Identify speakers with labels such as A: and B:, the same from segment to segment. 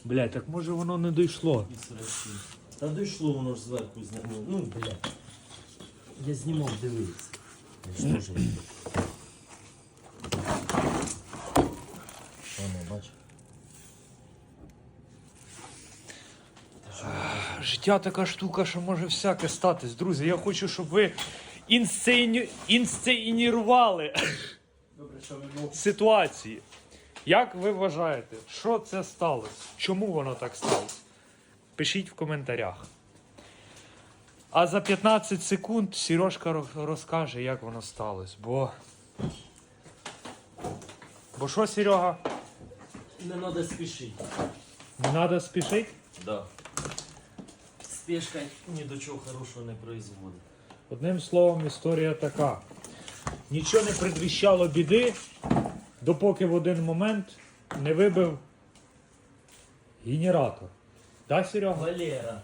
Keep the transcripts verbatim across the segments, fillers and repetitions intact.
A: Блядь, так може воно не дійшло.
B: Та дійшло, воно ж зверху зняло. Ну, блядь. Я знімав, дивись. Я ж теж. Воно, бач.
A: Життя така штука, що може всяке статись. Друзі, я хочу, щоб ви інсцені... інсценірували ситуації. Як ви вважаєте, що це сталося? Чому воно так сталося? Пишіть в коментарях. А за п'ятнадцять секунд Сережка розкаже, як воно сталося. Бо... Бо що, Серега?
B: Не треба спішити.
A: Не треба спішити?
B: Да. Спешка ні до чого хорошого не производить.
A: Одним словом, історія така. Нічого не предвіщало біди, допоки в один момент не вибив генератор. Да, Серега?
B: Валера.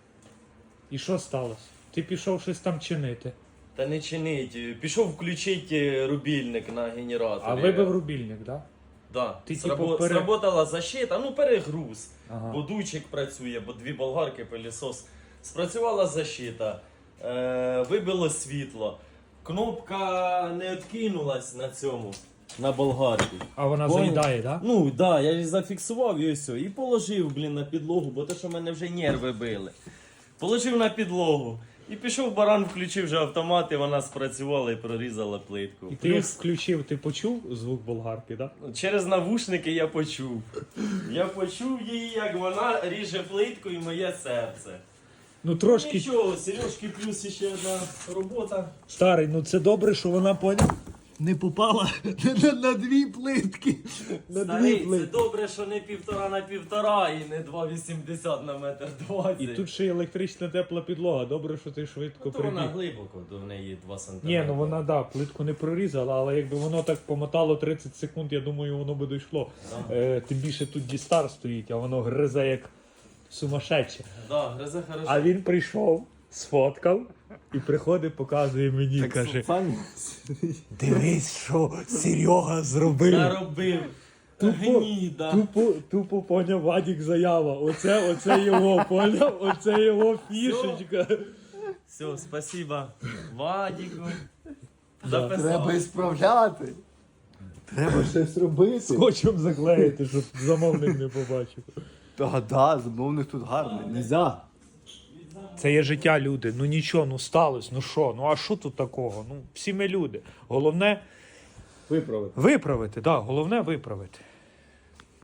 A: І що сталося? Ти пішов щось там чинити.
B: Та не чинить. Пішов включити рубільник на генераторі.
A: А вибив рубільник, так? Да?
B: Да.
A: Ти,
B: Срабо...
A: типу, пере-
B: Сработала защита, ну перегруз.
A: Ага.
B: Бо дучик працює, бо дві болгарки, пилісос. Спрацювала защита, е, вибило світло. Кнопка не відкинулась на цьому, на болгарці.
A: А вона
B: Понял?
A: заїдає, так? Да?
B: Ну так, да, я її зафіксував і все. І положив, блін, на підлогу, бо те, що в мене вже нерви били. Положив на підлогу. І пішов баран, включив вже автомат, і вона спрацювала і прорізала плитку.
A: І ти як включив, ти почув звук болгарки, так? Да?
B: Через навушники я почув. Я почув її, як вона ріже плитку і моє серце.
A: Ну трошки...
B: Нічого, Сережки плюс ще одна робота.
A: Старий, ну це добре, що вона поняв. Не попала на, на дві плитки. На
B: Старий,
A: дві
B: це
A: плитки.
B: добре, що не півтора на півтора і не два вісімдесят на метр двадцять.
A: І тут ще й електрична тепла підлога. Добре, що ти швидко
B: То вона
A: прибіг.
B: глибоко, до в неї два сантиметри.
A: Ні, ну вона, да, плитку не прорізала, але якби воно так помотало тридцять секунд, я думаю, воно би дійшло.
B: Да.
A: Е, тим більше тут дістар стоїть, а воно гризе як сумасшедше.
B: Да, гризе хорошо.
A: А він прийшов, сфоткав і приходить, показує мені,
B: Так,
A: каже,
B: пані,
A: дивись, що Серега зробив.
B: наробив.
A: Тупо,
B: Гніда.
A: тупо, тупо поняв Вадік заява. Оце, оце його, поняв? Оце його фішечка.
B: Все, спасибо Вадіку.
A: Да.
B: Записав.
C: Треба ісправляти. Треба щось робити.
A: Скотчем заклеїти, щоб замовник не побачив.
C: Та да, замовник тут гарний. Нельзя.
A: Це є життя, люди. Ну нічого, ну сталося, ну що, ну а що тут такого? Ну всі ми люди. Головне
C: Виправити.
A: виправити, так, да, головне виправити.